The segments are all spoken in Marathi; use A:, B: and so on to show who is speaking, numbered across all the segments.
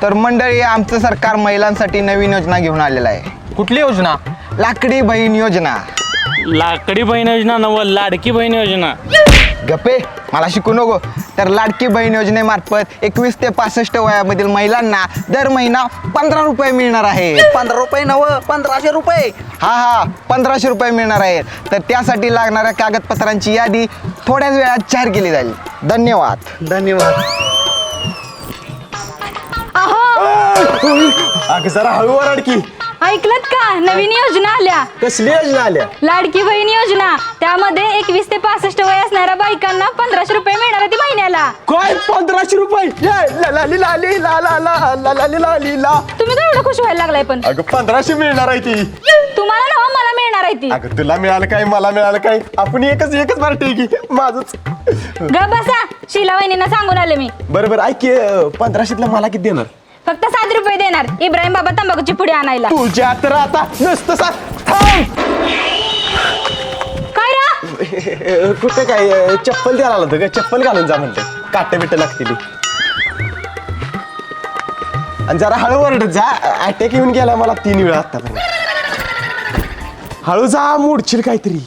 A: तर मंडळी आमचं सरकार महिलांसाठी नवीन योजना घेऊन आलेलं आहे.
B: कुठली योजना?
A: लाकडी बहीण योजना.
C: लाकडी बहीण योजना नव लाडकी बहीण योजना.
A: गप्पे मला शिकू नको. तर लाडकी बहीण योजनेमार्फत 21 ते 65 वयामधील महिलांना दर महिना 15 रुपये मिळणार आहे.
B: 15 रुपये नव 1500 रुपये.
A: हा 1500 रुपये मिळणार आहेत. तर त्यासाठी लागणाऱ्या कागदपत्रांची यादी थोड्याच वेळात जाहीर केली जाईल. धन्यवाद.
B: अगं जरा हळू ओरड की.
D: ऐकलत का? नवीन योजना आल्या.
B: कसली योजना आल्या?
D: लाडकी बहीण योजना. त्यामध्ये 21 ते 65 वय असणाऱ्या बायकांना 1500 रुपये मिळणार आहे महिन्याला.
B: काय 1500 रुपये? लाली लाली ला ला ला ला लाली लाली ला.
D: तुम्ही काय एवढं खुश व्हायला लागलाय? पण
B: अगं 1500 मिळणार आहे ती.
D: तुम्हाला ना मला मिळणार आहे ती.
B: अगं तुला मिळालं काय मला मिळालं काय? आपण एकच बार ठीक माझंच.
D: ग बसा. शीला वहिनींना सांगून आले मी.
B: बरोबर ऐक की, 1500 मला किती देणार?
D: फक्त 7 रुपये देणार इब्राहिम बाबा तंबाखूची पुडी आणायला.
B: तुझ्या तर आता नुसतं
D: काय रा?
B: कुठे काय चप्पल द्यायला आलं होतं का? चप्पल घालून जा म्हणते. काटे बिटे लागतील. आणि जरा हळू ओरडत जा. अटॅक येऊन गेला मला 3 वेळा आतापर्यंत. हळू जा मोडशील काहीतरी.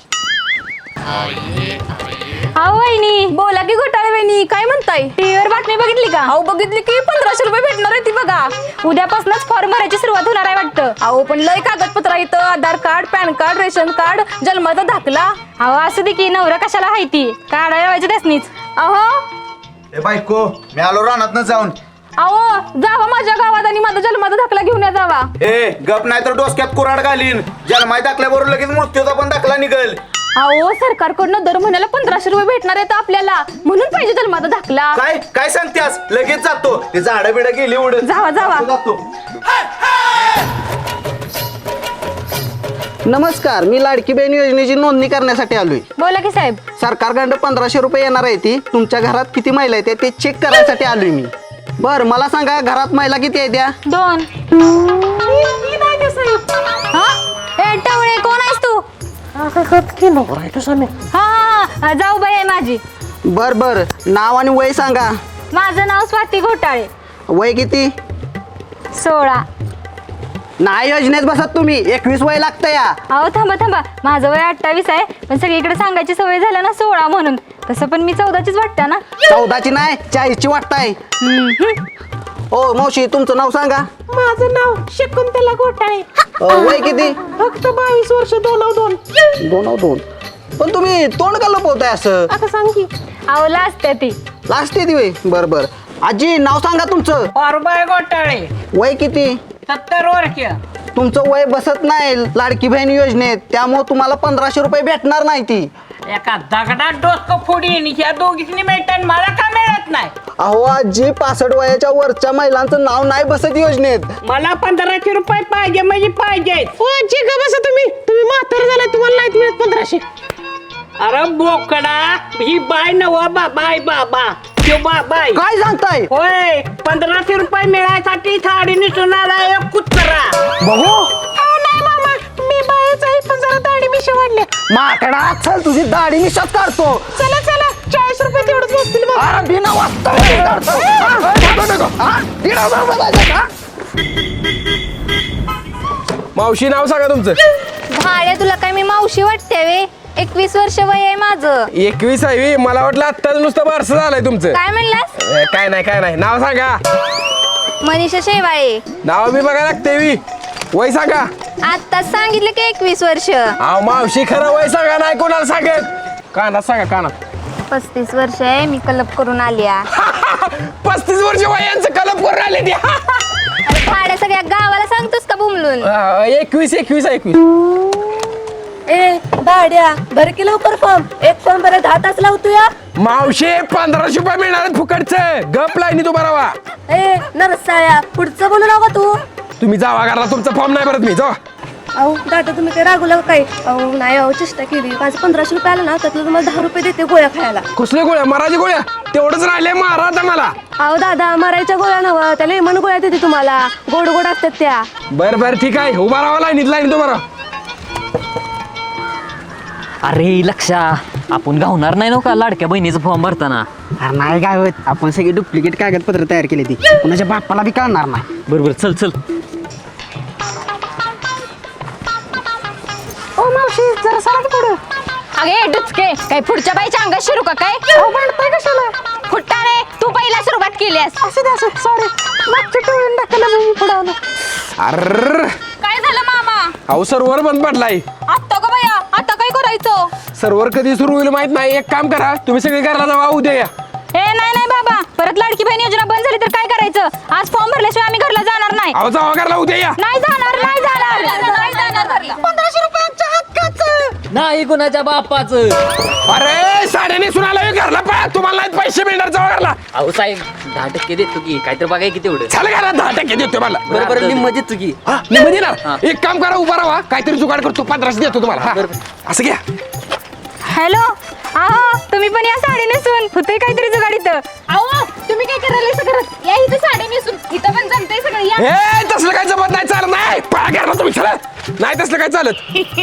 D: अहो वहिनी बोला की घोटाळे वहिनी काय म्हणताय? टीव्हीवर बातमी बघितली का? अहो बघितली की 1500 रुपये भेटणार आहे ती बघा. उद्यापासूनच फॉर्म भरायची सुरुवात होणार आहे वाटतं. अहो पण लय कागदपत्र येतं. Aadhaar card, PAN card, ration card, जन्माचा दाखला. अहो असू दे की नवरा कशाला आहे ती काढायला व्हायचं त्यासनीच. अहो
E: बायको मी आलो रानात जाऊन.
D: अहो जावा माझ्या गावात आणि माझा जन्माचा दाखला घेऊन या जावा.
E: ए गप नाही तर डोसक्यात कुराड घालीन. जन्माय दाखल्याबरोबर लगेच मृत्यूचा पण दाखला निघल.
D: अहो सरकारकडनं दर महिन्याला 1500 रुपये भेटणार आहेत आपल्याला म्हणून पाहिजे जन्माचा दाखला.
E: काय काय सांगतेस? लगेच जातो. ते झाडं बिडं गेली उडत.
D: जावा जावा.
E: जातो.
F: नमस्कार, मी लाडकी बहीण योजनेची नोंदणी करण्यासाठी आलोय.
D: बोला की साहेब.
F: सरकारकडं 1500 रुपये येणार आहे ती. तुमच्या घरात किती महिला आहेत ते चेक करायसाठी आलोय मी. बर मला सांगा घरात महिला किती आहेत? त्या
D: 2. हा टवळे कोण आहेस तू? हा जाऊ बाई आहे माझी.
F: बर बर नाव आणि वय सांगा.
D: माझं नाव स्वाती घोटाळे.
F: वय किती?
D: 16.
F: नाही योजनेत बसत तुम्ही. 21 वय लागतं या.
D: अहो थांबा माझं वय 28 आहे पण सगळीकडे सांगायची सवय झाल्या ना 16 म्हणून. तसं पण मी 14चीच वाटते ना.
F: 14ची नाही 40ची वाटताय. हो मावशी तुमचं नाव सांगा.
G: माझं नाव शकुंतला घोटाळे.
F: वय किती?
G: फक्त 22 वर्ष
F: 2 पण तुम्ही तोंड का लपवताय असं?
G: आता सांग की.
D: अहो लाजते ती.
F: लास्ट येते वय. बर बर आजी नाव सांगा तुमचं.
G: पारुबाई घोटाळे.
F: वय किती?
G: 70 वर्ष.
F: तुमचं वय बसत नाही लाडकी बहीण योजनेत. त्यामुळे तुम्हाला 1500 रुपये भेटणार नाही ती.
G: एका दगडात डोसकं फोडीन. ह्या दोघींनी मिळतात मला का मिळत नाही?
F: अहो आजी 65 वयाच्या वरच्या महिलांचं नाव नाही बसत योजनेत.
G: मला 1500 रुपये पाहिजे म्हणजे पाहिजे. जी का बसा तुम्ही म्हातार झाला तुम्हाला नाही मिळत 1500. अरे बोकडा ही बाय नवा बाबाय बाबा बाबाय.
F: काय सांगताय?
G: होय 1500 रुपये मिळायसाठी साडी नेसून आला एक कुत्रा.
F: बघू
G: नाही मामा मी बायच आहे पण जरा दाढी मिशा वाढल्या.
F: माकडा चल तुझी दाढी मी शत काढतो.
G: चला 40 रुपये तेवढंच बसतील बघ.
F: अरे बिना वाजता
B: मावशी नाव सांगा तुमचं.
D: भाड्या तुला काय मी मावशी वाटते वे? 21 वर्ष वय आहे माझं.
B: 21 आहे? मला वाटलं आत्ताच नुसतं बारसं झालंय तुमचं.
D: काय म्हणलास?
B: काय नाही नाव सांगा.
D: मनीषा शेवाळे.
B: नाव बी बघा लागते. वय सांगा.
D: आत्ताच सांगितलं की 21 वर्ष.
B: अहो मावशी खरं वय सांगा. नाही कोणाला सांगत. कानात सांगा कानात.
D: 35 वर्ष आहे मी कलप करून आली.
B: 35 वर्ष वयांचं कलप करून आले ते.
D: भाड्या सगळ्या गावाला सांगतोस का बुमलून?
B: 21.
H: ए भाड्या भर की लवकर फॉर्म. एक फॉर्म भरत 10 तास लावतो या.
B: मावशी 1500 रुपये मिळणार आहेत फुकटचं. गप लाईनी तू बरावा.
H: ए नरसाळ्या पुढचं बोलू नका तू.
B: तुम्ही जावा घरला. तुमचा फॉर्म नाही भरत मी. जावा.
H: अहो दादा तुम्ही काय रागवला काय? अहो नाही अहो चेष्टा केली. माझं 1500 रुपये आलं ना त्यातलं तुम्हाला 10 रुपये देते गोळ्या खायला.
B: कसल्या गोळ्या? माराची गोळ्या? तेवढंच राहिले मारा आता मला.
H: अहो दादा मारायच्या गोळ्या नव्ह त्या लेमन गोळ्या देते तुम्हाला. गोड गोड असतात त्या.
B: बरं ठीक आहे. उभा राहा लाईनीत. लाईनीत उभा राहा.
I: अरे लक्षा आपण गावणार नाही ना का लाडक्या बहिणीचा फॉर्म भरताना.
F: अरे नाही काय होत, आपण सगळी डुप्लिकेट कागदपत्र तयार केली ती कुणाच्या बाप्पाला बी कळणार नाही.
I: बरोबर चल चल.
D: ओ मावशी जरा सारा पुढं. अगे डुचके काय पुढच्या बाईच्या अंगात शिरू का काय? भांडताय कशाला? फुट्टाने तू पहिला सुरुवात केलीस. असं दे असं सॉरी. मागच्या टोळून टाकलं मी पुढं आलो.
B: अर
D: काय झालं मामा?
B: अहो सर्व्हर बंद पडलाय.
D: आत्ता का बया आता काय करायचं?
B: सर्व्हर कधी सुरू होईल माहित नाही. एक काम करा, तुम्ही सगळे घरला जावा, उद्या या.
D: ए नाही नाही बाबा, परत लाडकी बहीण योजना बंद झाली तर काय करायचं? आज फॉर्म भरल्याशिवाय आम्ही घरला जाणार नाही.
B: अहो जावा घरला, उद्या या.
D: नाही जाणार नाही जाणार नाही जाणार घरला. 1500 रुपयांच्या हक्काचं.
I: नाही कुणाच्या बापाचं.
B: अरे साड्या नेसून आलोय घरला, पळा. तुम्हाला नाही पैसे मिळणार, जावा घरला.
I: अहो साहेब 10% देतो की काहीतरी बघाय किती एवढं.
B: चला घरात 10% देतो मला.
I: बरोबर निम्म देतो की.
B: निम्म देणार. एक काम करा, उभा राहा, काहीतरी जुगाड करतो, 1500 देतो तुम्हाला. हा. असं घ्या.
D: हॅलो आहो तुम्ही पण या साडी नेसून होते काहीतरी जुगाडीत. अहो तुम्ही काय करायला सगळं या इथं साडी नेसून इथं पण जमतंय सगळं या.
B: ए तसलं काय जमत नाही, चालत नाही. पळा घरला तुम्ही, चला. नाही तसलं काय चालत.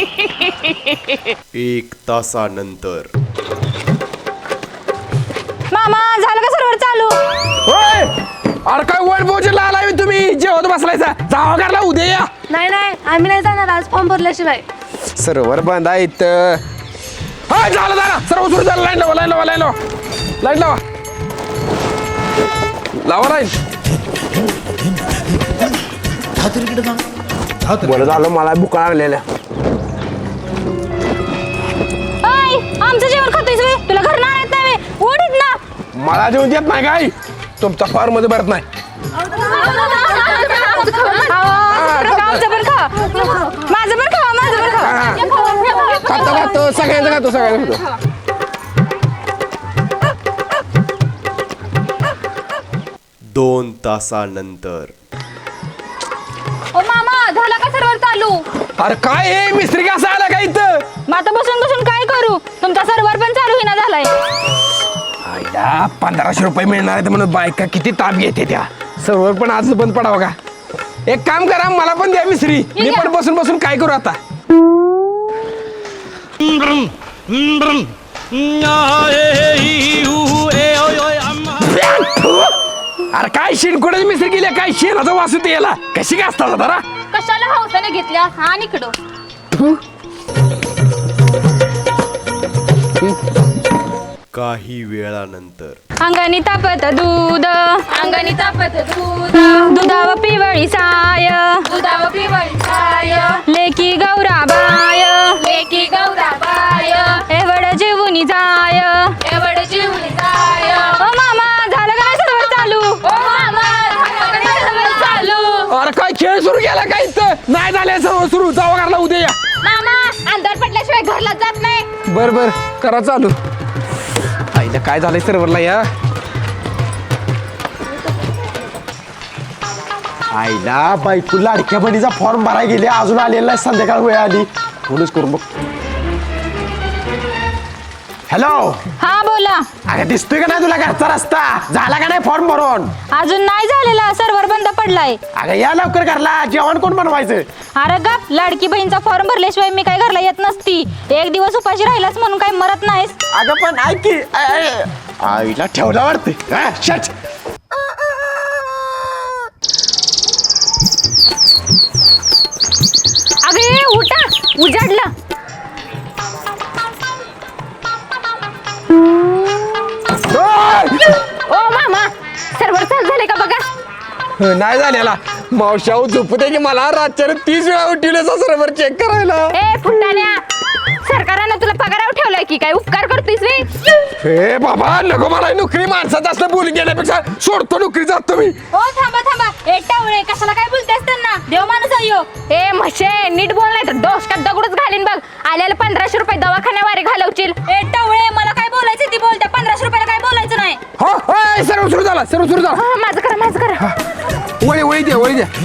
J: 1 तासानंतर
D: मामा झालं का सर्वर चालू?
B: होय. अरे काय वन भोजन आलाय तुम्ही, जेवत बसलायचा. जावा घरला, उद्या या.
H: नाही नाही आम्ही नाही जाणार आज फॉर्म भरल्याशिवाय.
B: सर्व्हर बंद आहे इथं. हा झालं झालं, सर्व सुरू झालं. लाईन लावा, लाईन लावा, लाईन लावा, लाईन लावा, लावा लाईन. बरं झालं, मला भुका लागलेल्या.
D: आमचं जेवण खातोयस वे? तुला घर ना येत नाही वे? उडीत ना.
B: मला जेवण देत नाही काय? तुमचा फार मध्ये भरत नाही.
D: आमचं पण खा, माझं पण खा, माझं पण खा.
B: खातो खातो, सगळ्यांचं खातो, सगळ्यांचं खातो.
J: 2 तासानंतर
D: ओ मामा झालं का सर्वर चालू?
B: अरे काय हे मिस्त्री कसं आला का इथं?
D: मग आता बसून बसून काय करू? तुमचा सर्वर पण चालू होईना झालाय.
B: आईला 1500 रुपये मिळणार आहेत म्हणून बायका किती ताप घेते त्या. सर्व्हर पण आज बंद पडावं का? एक काम करा, मला पण द्या मिस्त्री. मी पण बसून बसून काय करू आता? अरे काय शेणकोड्याची मिस्त्री केली, काय शेणाचा वास होते याला. कशी काय असतात जरा?
D: कशाला हौसाने घेतल्या हा निकडो.
J: काही वेळानंतर
D: अंगानी तापत दूध, अंगानी तापत दूध, दुधाव पिवळी साय, दुधाव पिवळी साय, लेकी गौराबाय, लेकी गौराबाय, एवढ जीवनी जाय, एवढ जीवनी जाय. ओ मामा झालं का नाही सर्वर चालू? ओ मामा झालं का नाही सर्वर चालू?
B: अरे काय खेळ सुरू केला काय इथं? नाही झाले सर्व सुरू, जावा घरला, उद्या या.
D: मामा अंधार पडल्याशिवाय घरला जात नाही.
B: बर बर करा चालू. आईला काय झालंय सर्व्हरला या? आईला बायको लाडक्या बहिणीचा फॉर्म भरायला गेले, अजून आलेला नाही. संध्याकाळ वेळ आली, फोनच करून बघ. हॅलो.
D: हा बोला.
B: अरे दिसतोय का नाही तुला घरचा रस्ता? झाला का नाही फॉर्म भरून?
D: अजून नाही झालेला, सर्वर बंद पडलाय.
B: अगं या लवकर घरला, जेवण कोण बनवायचं?
D: अरे गप, लाडकी बहीणचा फॉर्म भरल्याशिवाय मी काय घरला येत नसती. एक दिवस उपाशी राहिलास म्हणून काय मरत नाहीस.
B: अगं पण ऐक की, आईला ठेवला वाटते. शट.
D: अगे उठा, उजाडला. ओ मामा सर्वर चालू झाले का बघा.
B: नाही झालेला. मावशाऊ झोपते की मला रातच्या 30 वेळा उठवलं सर्व्हर चेक करायला.
D: ए फुटाण्या, सरकारनं तुला पगारावर ठेवलाय की काय उपकार करतोयस वे?
B: हे बाबा नको, मला नोकरी माणसात असलं बोलून गेल्यापेक्षा सोडतो नोकरी, जातो मी.
D: ओ थांबा थांबा, ए टावळे कशाला काय बोलतेस त्यांना? देव माणूस अयो. ए म्हशे नीट बोल नाही तर डोसक्यात दगडच घालीन बघ. आल्याला 1500 रुपये दवाखान्यावारे घालवशील. ए टावळे मला काय बोलायचं ती बोलते, 1500 रुपयाला काय बोलायचं नाही.
B: हो हो, सर्व सुरू झाला, सर्व सुरू झाला.
D: हा, माझं करा, माझं करा.
B: वळी वळी द्या, वळी द्या.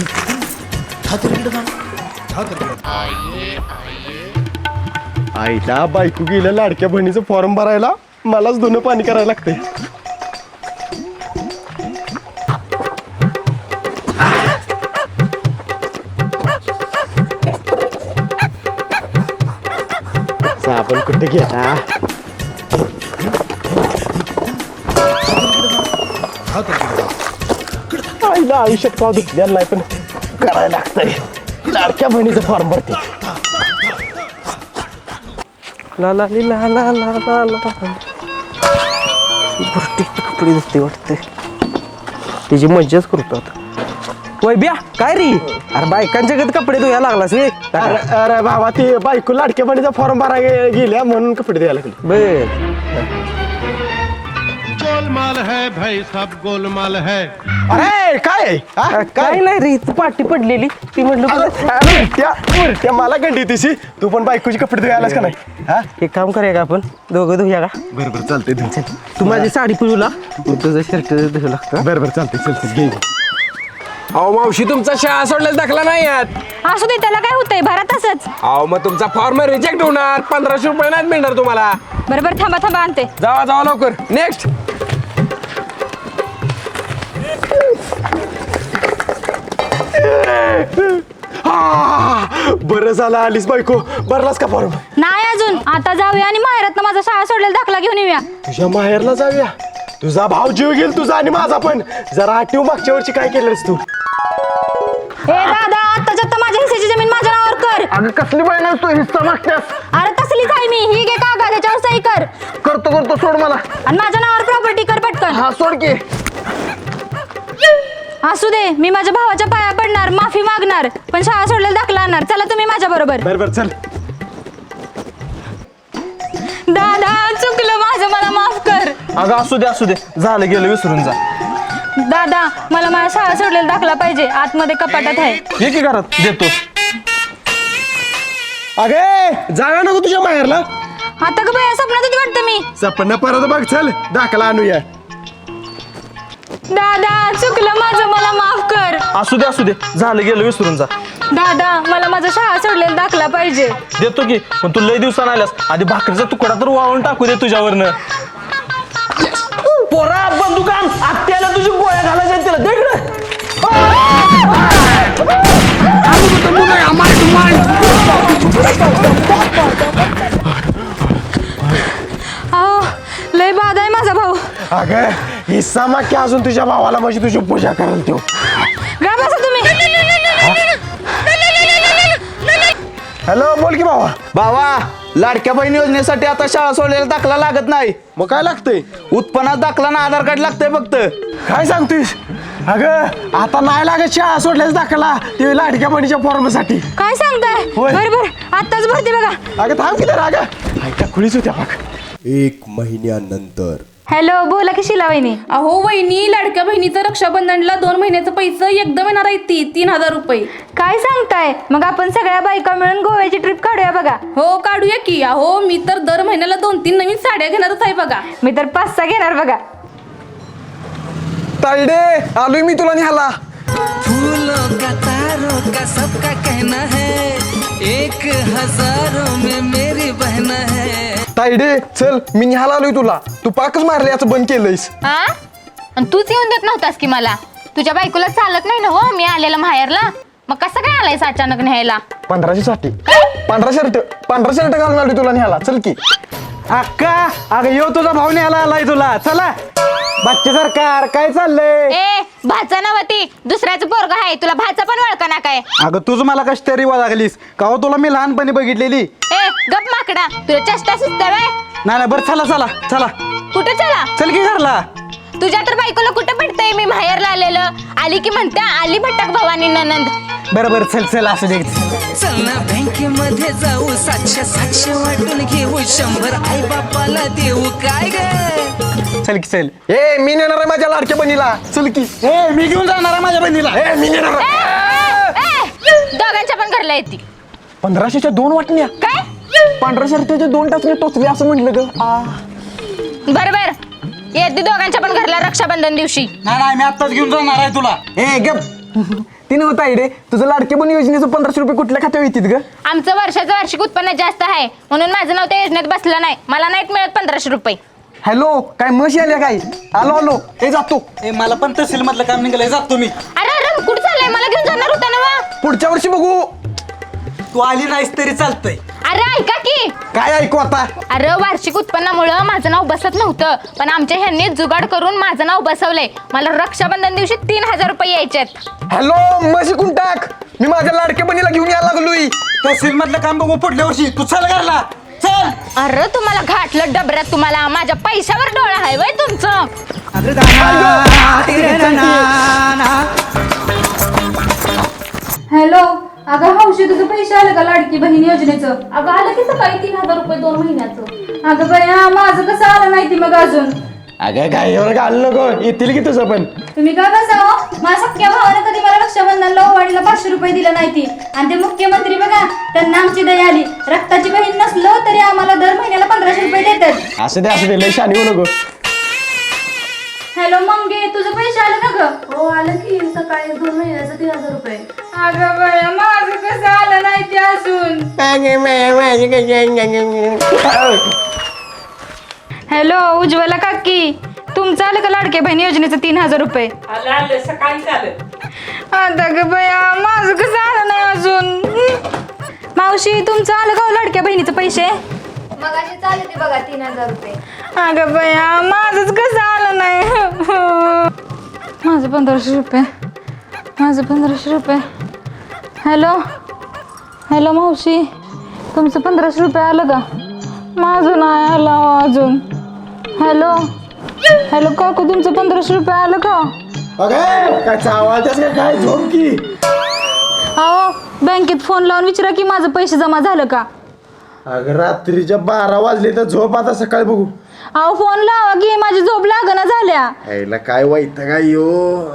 B: आईला बायको गेल्या लाडक्या बहिणीचं फॉर्म भरायला, मलाच दोन पाणी करायला लागतंय. कुठे गेला आईला आयुष्यात का दुखलेला नाही पण करायला लागतंय लाडक्या बहिणीचं फॉर्म भरते ला ला ली ला ला ला ला ला गोष्टीचे कपडे दिसते वाटते त्याची मज्जाच करतो आता वैब्या काय रे अरे बायकांच्या गत कपडे धुया लागलास रे अरे बाबा ती बायको लाडक्या बहिणीचा फॉर्म भरायला गेल्या म्हणून कपडे द्यायला लागले बर
K: गोलमाल है भाई सब गोलमाल है
B: अरे काय काय नाही रे तू पाठी पडलेली ती म्हटलं मला कंडी तिशी तू पण बायकोची कपडे धुयालास का नाही हा एक काम करूया का आपण दोघं धुया का बरोबर चालतंय तू माझी साडी पिळूला तुझं शर्ट धुवू लागतं बरोबर चालतंय चलते घे अहो मावशी तुमचा शाळा सोडल्यास दाखला नाही यात
D: असू दे त्याला काय होतंय भरा तसंच.
B: अहो मग तुमचा फॉर्म रिजेक्ट होणार 1500 रुपये नाही मिळणार तुम्हाला
D: बरोबर थांबा थांबा आणते.
B: जावा जावा लवकर नेक्स्ट बरं झालं आलीस बायको भरलास का फॉर्म
D: नाही अजून आता जाऊया आणि माहेरात माझा शाळा सोडलेला दाखला घेऊन येऊया.
B: तुझ्या माहेरला जाऊया तुझा भाव जीव घेईल तुझा आणि माझा पण जरा आठव मागच्या वर्षी काय केलंस तू
D: ए दादा आत्ताच्या आता माझ्या हिस्साची जमीन माझ्या नावावर कर.
B: अगं कसली बहीण तू हिस्सा मागतेस
D: अरे तसलीच आहे मी ही घे कागद त्याच्यावर सही कर
B: करतो सोड मला
D: आणि माझ्या नावावर प्रॉपर्टी कर पटकन.
B: हा सोड की
D: असू दे मी माझ्या भावाच्या पाया पडणार माफी मागणार पण शाळा सोडलेला दाखला आणणार. चला तुम्ही माझ्या बरोबर.
B: बरोबर चल
D: दादा चुकलं माझं मला माफ कर.
B: अगं असू दे झालं गेलं विसरून जा
D: दादा मला माझ्या शाळा सोडलेला दाखला पाहिजे आतमध्ये कपाटात आहे.
B: ये की घरात देतो अगे जागा नको तुझ्या माहेरला
D: आता का बाया स्वप्नात होती वाटतं मी.
B: सपना परत बघ चल दाखला आणूया
D: दादा चुकलं माझं मला माफ कर.
B: असू दे झालं गेलं विसरून जा
D: दादा मला माझा शाळा सोडलेला दाखला पाहिजे.
B: देतो की पण तू लय दिवसानं आल्यास आधी भाकरीचा तुकडा तर वाळून टाकू दे तुझ्यावरनं पोरा बंदुकान आत्याला तुझी गोळ्या घालायच्या तिला दे
D: अहो लय बाद आहे माझा भाऊ.
B: अगं हिस्सा माग की अजून तुझ्या भावाला माझी तुझी पूजा कराल तो
D: गा बसा तुम्ही.
B: हॅलो बोल की भावा
E: बाबा लाडक्या बहीण योजनेसाठी आता शाळा सोडलेला दाखला लागत नाही.
B: मग काय लागतंय
E: उत्पन्नात दाखला ना आधार कार्ड लागतंय फक्त.
B: काय सांगतोयस अगं आता नाही लागत शाळा सोडल्यास दाखला ते लाडक्या बहिणीच्या फॉर्मसाठी
D: काय सांगताय
B: होय.
D: बरोबर आत्ताच भरते बघा.
B: अगं थांब किती अगं ऐका खुळीच होत्या बघ
J: 1 महिन्यानंतर
D: हॅलो बोला की शिला वहिनी.
L: अहो वहिनी लाडक्या बहिणीचं रक्षाबंधनला 2 महिन्याचं पैसे एकदम येणार आहे 3,000 रुपये.
D: काय सांगताय मग आपण सगळ्या बायका मिळून गोव्याची ट्रिप काढूया बघा.
L: हो काढूया की. अहो मी तर दर महिन्याला 2-3 नवीन साड्या घेणारच आहे बघा.
D: मी तर 5-6 घेणार बघा.
B: तायडे आलोय मी तुला निहाला
M: फूलों का तारों का सबका कहना है 1,000 में मेरी बहना है.
B: तायडे चल मी निहाला आलोय तुला तू पाकच मारले याचं बंद केलंयस.
D: आणि तूच येऊन देत नव्हतास की मला. तुझ्या बायकोला चालत नाही ना हो मी आलेला माहेरला. मग कसं काय आलायस अचानक न्यायला.
B: 1500 साठी पांढरा शर्ट घालून आलोय तुला निहाला चल की अक्का अगं येऊ तुझा भाऊ न्यायला आलाय तुला चला बच्चे सरकार काय चाललंय.
D: ए भाचा नव्हती दुसऱ्याचं पोरग आहे तुला भाचा पण वळका ना काय.
B: अगं तुझ मला कशी तरी लागलीस का हो तुला मी लहानपणी बघितलेली.
D: ए गप माकडा तुला चेष्टा सुचतं व्हय.
B: नाही बरं चला
D: कुठे चला
B: चल की घरला.
D: तुझ्या तर बायकोला कुठं पटतंय मी माहेरला आलेलं. आली की म्हणत्या आली भटक भवानी ननंद.
B: बरोबर चल असू दे.
M: चल ना बँकेमध्ये जाऊ 700 वाटून घेऊ 100 आई बापाला देऊ काय ग.
B: चल ए मी नेणार आहे माझ्या लाडक्या बहिणीला चल की. ए मी घेऊन जाणार आहे माझ्या बहिणीला. ए मी नेणार
D: दोघांच्या पण घरला येते.
B: 1500च्या 2 वाटण्या
D: काय
B: 15 शर्टाचे 2 टाचणे टोचले असं म्हटलं ग.
D: बरोबर येते दोघांच्या पण घरला रक्षाबंधन दिवशी.
B: नाही मी आत्ताच घेऊन जाणार आहे तुला. ए गप ती नव्हता रे तुझं लाडके बहीण योजनेचं 1500 रुपये कुठल्या खात्यावर येतील ग.
D: आमचं वर्षाचं वार्षिक उत्पन्न जास्त आहे म्हणून माझं नाव त्या योजनेत बसलं नाही. मला नाहीत मिळत 1500 रुपये.
B: हॅलो काय म्हशी आल्या काय. आलो ए जातो.
F: ए मला पण तहसील मधलं काम निघालंय जातो मी.
D: अरे कुठं चाललंय मला घेऊन जाणार होता ना.
B: पुढच्या वर्षी बघू.
F: तू आली नाहीस तरी चालतंय.
D: अरे ऐका की
B: काय ऐकू आता?
D: अरे वार्षिक उत्पन्नामुळं माझं नाव बसत नव्हतं, पण आमच्या ह्यांनी जुगाड करून माझं नाव बसवलंय. मला रक्षाबंधन दिवशी 3000 रुपये यायचेत.
B: हॅलो, मग शिकून टाक. मी माझ्या लाडक्या बहिणीला घेऊन यायला लागलोय. तहसील मधलं काम बघू पुढल्या वर्षी. तू चल घरला चल.
D: अरे तुम्हाला घाटलं डबऱ्यात, तुम्हाला माझ्या पैशावर डोळा आहे वय तुमचं.
L: हॅलो, अगं हौशी तुझं पैसे आले का लाडकी बहीण योजनेचं? अगं आलं की सकाळी 3000 रुपये 2 महिन्याचं. अगं बया माझं कसं आलं नाही ती मग अजून?
B: अगं काय एवढं घाल नको, येतील की तुझं पण.
L: तुम्ही काय बसावं, माझ्या सख्या भावानं कधी मला रक्षाबंधनला ओवाळीला 500 रुपये दिलं नाही ती. आणि ते मुख्यमंत्री बघा, त्यांना आमची दया आली. रक्ताची बहीण नसलो तरी आम्हाला दर महिन्याला 1500 रुपये देतात.
B: असं दे लय शानी होऊ नको.
L: हॅलो मंगे, तुझं पैसे आलं का ग?
H: हो आलं की सकाळी 2 महिन्याचं 3000 रुपये.
L: अगं बया माझं कसं आलं नाही ते अजून? हॅलो उज्ज्वला काकी, तुमचं आलं का लाडक्या बहीण योजनेचं 3000 रुपये?
G: आलं सकाळीच आलं.
L: आता ग बया माझं कसं आलं नाही अजून? मावशी तुमचं आलं का लाडक्या बहिणीचं पैसे?
H: मगाशी चालू ते बघा 3000 रुपये.
L: अगं बया माझंच कसं आलं नाही? माझं 1500 रुपये, माझं 1500 रुपये. हॅलो हॅलो मावशी, तुमचं 1500 रुपये आलं का? माझं नाही आलं अजून. हॅलो हॅलो काकू, तुमचं 1500 रुपये आलं का?
B: अगं काय आवाज काय झोप की?
L: अहो बँकेत फोन लावून विचारा की माझं पैसे जमा झालं का?
B: अगं रात्रीच्या 12 वाजले तर झोप आता सकाळी बघू.
L: अहो फोन लावा की, माझी झोप लागना झाल्या.
B: यायला काय वाईट काय यो.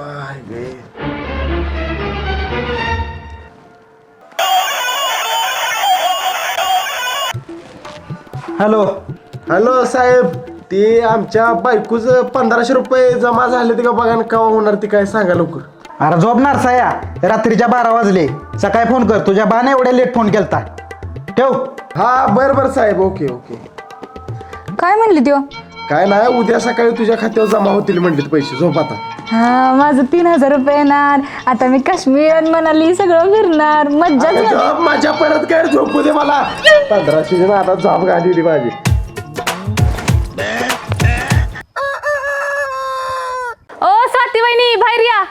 B: हॅलो हॅलो साहेब, ते आमच्या बायकोच 1500 रुपये जमा झाले ते का बघा ना, केव्हा होणार ते काय सांगा लवकर.
A: अरे झोपणार साया, रात्रीच्या 12 वाजले. सकाळी फोन कर, तुझ्या बाने एवढ्या लेट फोन केलता. ठेव.
B: हा बरं साहेब, ओके ओके.
L: काय म्हणली त्यो?
B: काय नाही, उद्या सकाळी तुझ्या खात्यावर जमा होतील म्हणले पैसे. झोप आता.
L: हा माझं 3000 रुपये येणार. आता मी काश्मीर मनाली सगळं फिरणार. मज्जाच
B: अरे झोप माझ्या, परत काय झोपू दे मला. 1500 आता झोप घाली माझी.
D: ओ स्वाती वहिनी बाहेर या.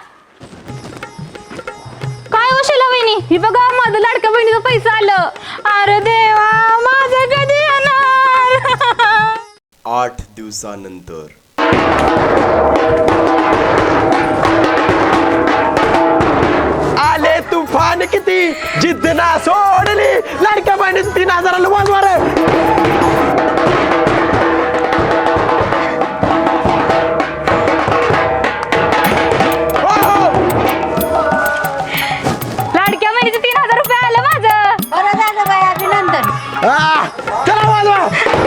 D: काय हो शिला वहिनी, ही बघा माझं लाडक्या बहिणीचं पैसा आलं. अरे देवा माझं कधी येणार?
J: 8 दिवसानंतर.
B: आले तुफान किती, जिद्द ना सोडली, लाडक्या बहिणीच 3000 वाजवार.
D: लाडक्या बहिणीचं 3000 रुपये आलं माझं.
H: बरं झालं बाई, अभिनंदन.
B: चला वाजवा.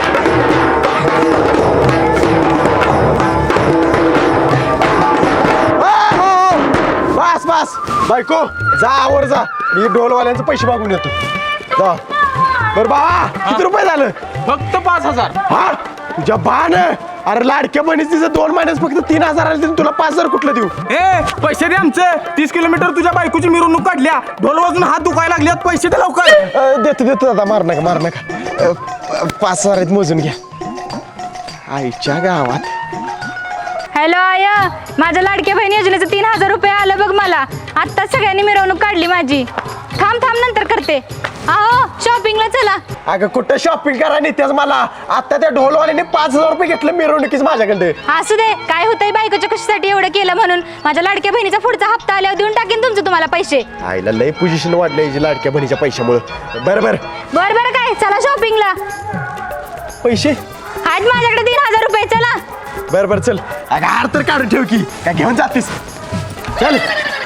B: बस बस बायको, जा आवर जा. मी ढोलवाल्यांचे पैसे मागून येतो. जा. बरं बाबा, किती रुपये झालं?
C: फक्त 5000.
B: हा तुझ्या बाण. अरे लाडक्या बहिणीच तिचं 2 महिन्यात फक्त 3000 आले, तुला 5000 कुठलं देऊ?
C: पैसे दे आमचे. 30 किलोमीटर तुझ्या बायकोची मिरवणूक काढल्या, ढोल वाजून हात दुखायला लागल्यात. पैसे दे लवकर.
B: देतो दादा, मार नका. 5000 आहेत, मोजून घ्या. आईच्या गावात.
D: हॅलो आय, माझ्या लाडक्या बहिणी योजनेचं 3000 रुपये आलं बघ मला. आत्ता सगळ्यांनी मिरवणूक काढली माझी. थांब नंतर करते. अहो शॉपिंगला चला.
B: अगं कुठं शॉपिंग करा नेत्याच मला. आता त्या ढोलवाल्याने 5000 रुपये घेतलं मिरवणुकीच माझ्याकडे.
D: असू दे, काय होतंय बायकोच्या कशासाठी एवढं केलं म्हणून. माझ्या लाडक्या बहिणीचा पुढचा हप्ता आल्यावर देऊन टाकेन तुमचं तुम्हाला पैसे.
B: आईला लय पोझिशन वाढलं याची लाडक्या बहिणीच्या पैशामुळे. बरं
D: काय चला शॉपिंगला.
B: पैसे
D: आहेत माझ्याकडे 3000 रुपये. चला.
B: बरं चल. अगं हार तर काढून ठेव की, काय घेऊन जातीस? चल.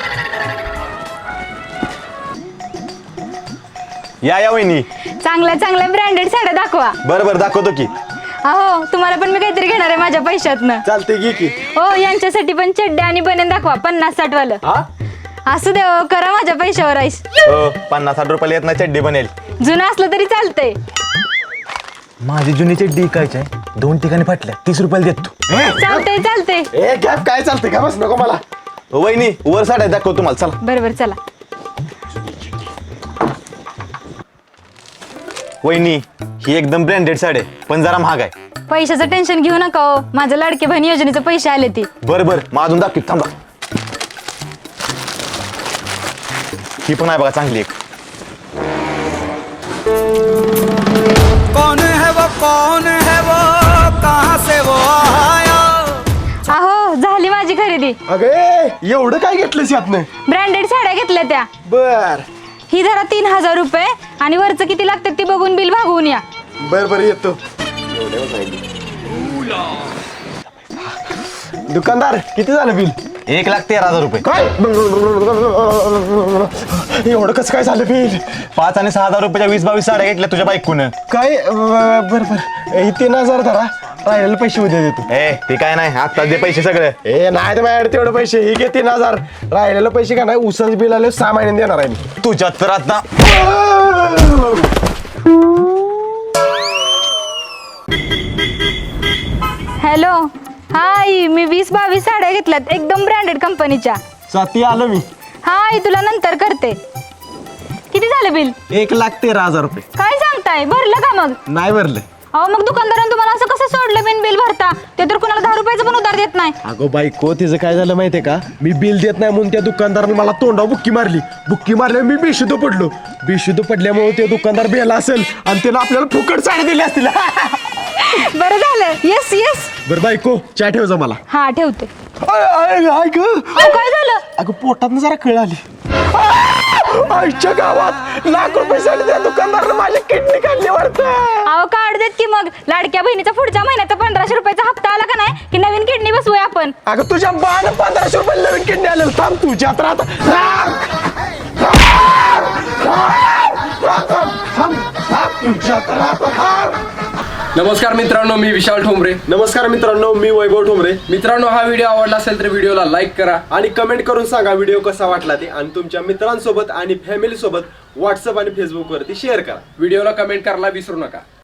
E: या वहिनी.
D: चांगल्या ब्रँडेड साड्या दाखवा.
E: बरं दाखवतो की.
D: अहो तुम्हाला पण मी काहीतरी घेणार आहे माझ्या पैशातनं.
B: चालते घे की.
D: हो यांच्यासाठी पण चड्डे आणि बनेन दाखवा 50-60 वालं. असू दे हो, करा माझ्या पैशावर आईस.
E: 50-60 रुपयाला येत नाही चड्डी बनेल.
D: जुनं असलं तरी चालतंय.
E: माझी जुनी चड्डी काय 2 ठिकाणी फाटल्या, 30 रुपयाला देतो.
D: चालतंय.
B: ए गॅप काय चालतंय का? बस नको मला.
E: वहिनी वर साड्या दाखव तुम्हाला. चला.
D: बरोबर चला.
A: वहिनी ही एकदम ब्रँडेड साडी आहे पण जरा महाग आहे.
L: पैशाचं टेन्शन घेऊ नका हो, माझ्या लाडके बहीण योजनेचे पैसे आले ते.
A: बरं मग अजून दाखव थांबा. ही पण आहे बघा चांगली एक.
L: अहो झाली माझी खरेदी.
B: अगे एवढं काय घेतलंस यातनं?
L: ब्रँडेड साड्या घेतल्या त्या.
B: बर
L: ही जरा 3,000 रुपये आणि वरचं किती लागतात ते बघून बिल भागवून या.
B: बर येतो. दुकानदार किती झालं बिल?
A: 1,13,000 रुपये.
B: काय एवढं कसं काय झालं बिल?
A: 5 आणि 6,000 रुपयाच्या 20-22 साड्या घेतल्या तुझ्या बायकोनं.
B: काय बर हे 3,000 धरा, राहिलेले पैसे उद्या देतो.
A: ए ते काय नाही आत्ताच दे पैसे सगळे.
B: ए नाही तर माझ्याकडे तेवढे पैसे, हे घे 3,000. राहिलेले पैसे का नाही उसाच बिल आले 6 महिन्याने देणार आहे मी.
A: तुझ्या तर आता
L: हॅलो हाय, मी 20-22 साड्या घेतल्यात एकदम ब्रँडेड कंपनीच्या.
B: साथी आलो मी.
L: हाय तुला नंतर करते. किती झालं बिल?
B: 1,13,000 रुपये.
L: काय सांगताय, भरलं का मग?
B: नाही भरलं.
L: अहो मग दुकानदारानं तुम्हाला असं कसं सोडलं बिल भरता? ते तर कुणाला 10 रुपयाचं पण उधार देत नाही.
B: अगो बायको तिचं काय झालं माहितीये का, मी बिल देत नाही म्हणून त्या दुकानदाराने मला तोंडावर बुक्की मारल्यावर मी बेशुद्ध पडलो. बेशुद्ध पडल्यामुळे ते दुकानदार बेला असेल आणि त्याला आपल्याला फुकट साडी दिली असतील.
L: बरं झालं. Yes yes.
B: बरं बायको चहा ठेव जा मला.
L: हा ठेवते.
B: काय
L: झालं?
B: अगं पोटात जरा कळ आली. आईच्या गावात लाख रुपये साडी त्या दुकानदाराने माझ्या किडनी काढली वाटतं.
L: अहो काढ देत की मग. लाडक्या बहिणीचा पुढच्या महिन्याचा 1,500 रुपयाचा हप्ता आला का नाही की नवीन किडनी बसवूया आपण.
B: अगं तुझ्या बाण 1,500 रुपये नवीन किडनी आलेलं. थांब तुझ्या
N: नमस्कार मित्रांनो, मी विशाल ठोंबरे.
B: नमस्कार मित्रांनो, मी वैभव ठोंबरे.
N: मित्रांनो, हा व्हिडिओ आवडला असेल तर व्हिडिओला लाईक करा
B: आणि कमेंट करून सांगा व्हिडिओ कसा वाटला ते, आणि तुमच्या मित्रांसोबत आणि फॅमिली सोबत व्हॉट्सअप आणि फेसबुक वरती शेअर करा.
N: व्हिडिओला कमेंट करायला विसरू नका.